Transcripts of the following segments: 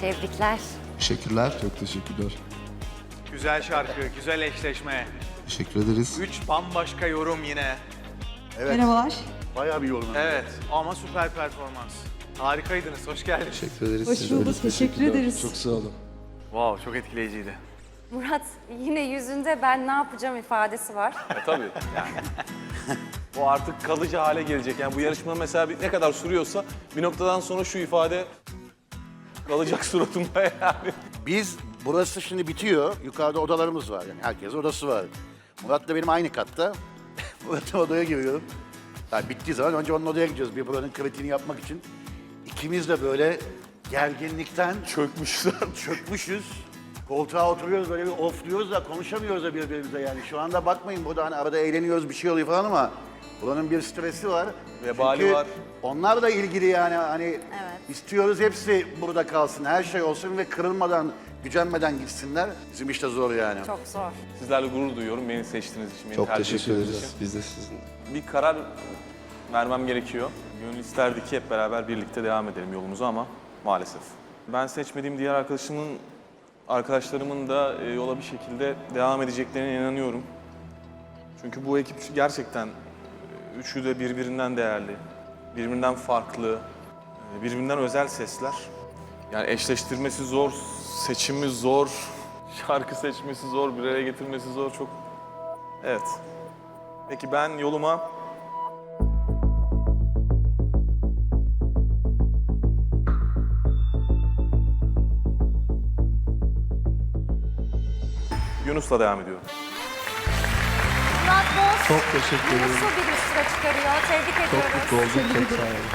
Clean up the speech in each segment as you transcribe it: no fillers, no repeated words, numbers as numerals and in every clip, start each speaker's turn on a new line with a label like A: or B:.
A: Tebrikler.
B: Teşekkürler.
C: Çok teşekkürler.
D: Güzel şarkı, güzel eşleşme.
B: Teşekkür ederiz.
D: 3 bambaşka yorum yine.
E: Merhabalar.
F: Bayağı bir yorum.
D: Evet ama süper performans. Harikaydınız, hoş geldiniz.
B: Teşekkür ederiz.
E: Hoş
B: Siz de
E: bulduk.
B: öyle.
E: Teşekkür ederiz.
C: Çok sağ olun.
D: Wow, çok etkileyiciydi.
A: Murat yine yüzünde ben ne yapacağım ifadesi var.
G: Tabii yani. O artık kalıcı hale gelecek. Yani bu yarışma mesela ne kadar sürüyorsa bir noktadan sonra şu ifade kalacak suratımda yani.
F: Biz, burası şimdi bitiyor. Yukarıda odalarımız var. Yani herkes odası var. Murat da benim aynı katta. Murat'ın odaya giriyorum. Yani bittiği zaman önce onun odaya gidiyoruz. Bir buranın kritiğini yapmak için. İkimiz de böyle gerginlikten çökmüşüz. Koltuğa oturuyoruz böyle bir ofluyoruz da konuşamıyoruz da birbirimize yani. Şu anda bakmayın burada hani arada eğleniyoruz bir şey oluyor falan ama buranın bir stresi var.
G: Vebali
F: Çünkü
G: var.
F: onlar da ilgili yani hani istiyoruz hepsi burada kalsın, her şey olsun ve kırılmadan, gücenmeden gitsinler. Bizim işte zor yani.
A: Çok zor.
G: Sizlerle gurur duyuyorum beni seçtiğiniz için, beni
B: Çok
G: tercih
B: teşekkür
G: ettiğiniz
B: ederiz.
G: için.
B: Biz de sizin.
G: Bir karar vermem gerekiyor. Gönül isterdi ki hep beraber birlikte devam edelim yolumuza ama maalesef. Ben seçmediğim diğer arkadaşlarımın da yola bir şekilde devam edeceklerine inanıyorum. Çünkü bu ekip gerçekten üçü de birbirinden değerli, birbirinden farklı, birbirinden özel sesler. Yani eşleştirmesi zor, seçimi zor, şarkı seçmesi zor, bir araya getirmesi zor çok. Evet. Peki ben yoluma Yunus'la devam ediyorum.
A: Murat Boz
B: Çok teşekkür ederim.
A: Yunus'u bir üst tura çıkarıyor. Tebrik
B: Çok
A: ediyoruz.
B: mutlu oldum. Çok sağ olun.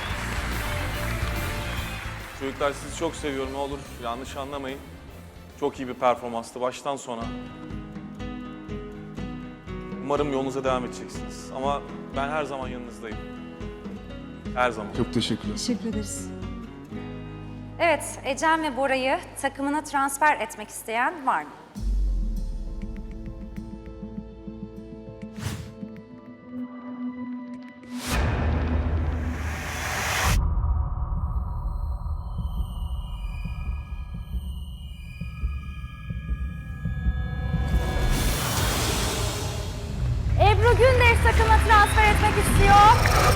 G: Çocuklar sizi çok seviyorum, ne olur yanlış anlamayın. Çok iyi bir performanstı baştan sona. Umarım yolunuza devam edeceksiniz. Ama ben her zaman yanınızdayım. Her zaman.
C: Çok teşekkürler.
E: Teşekkür ederiz.
A: Evet, Ecem ve Bora'yı takımına transfer etmek isteyen var mı? Ebru Gündeş takımına transfer etmek istiyor.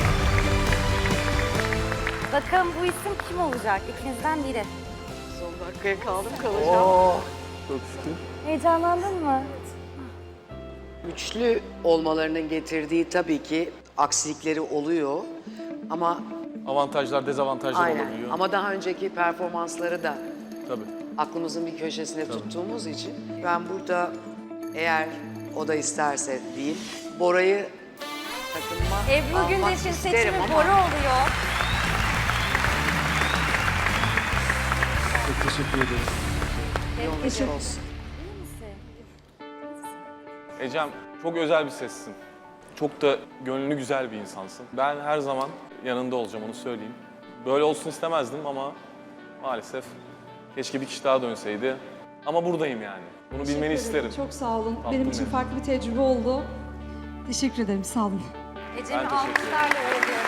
A: Bakalım bu isim kim olacak? İkinizden biri.
H: Son dakikaya kalacağım.
G: Çok şükür.
A: Heyecanlandın mı?
H: Güçlü olmalarının getirdiği tabii ki aksilikleri oluyor. Ama
G: Avantajlar, dezavantajlar
H: aynen.
G: olabiliyor.
H: Ama daha önceki performansları da
G: Tabii.
H: aklımızın bir köşesinde tuttuğumuz için ben burada eğer o da isterse değil, Bora'yı takımıma
A: Ebru
H: almak
A: Gündeş'in
H: isterim
A: seçimi
H: ama
A: Bora oluyor.
C: Çok teşekkür ederim.
H: yolun açık olsun.
G: Ecem, çok özel bir sessin. Çok da gönlü güzel bir insansın. Ben her zaman yanında olacağım, onu söyleyeyim. Böyle olsun istemezdim ama maalesef keşke bir kişi daha dönseydi. Ama buradayım yani. Bunu bilmeni
E: Teşekkür ederim.
G: isterim.
E: Çok sağ olun.
G: Tatlım
E: Benim için
G: benim.
E: farklı bir tecrübe oldu. Teşekkür ederim. Sağ olun.
A: Ecem'i
G: Ben teşekkür ederim.
A: alkışlarla uğurluyoruz.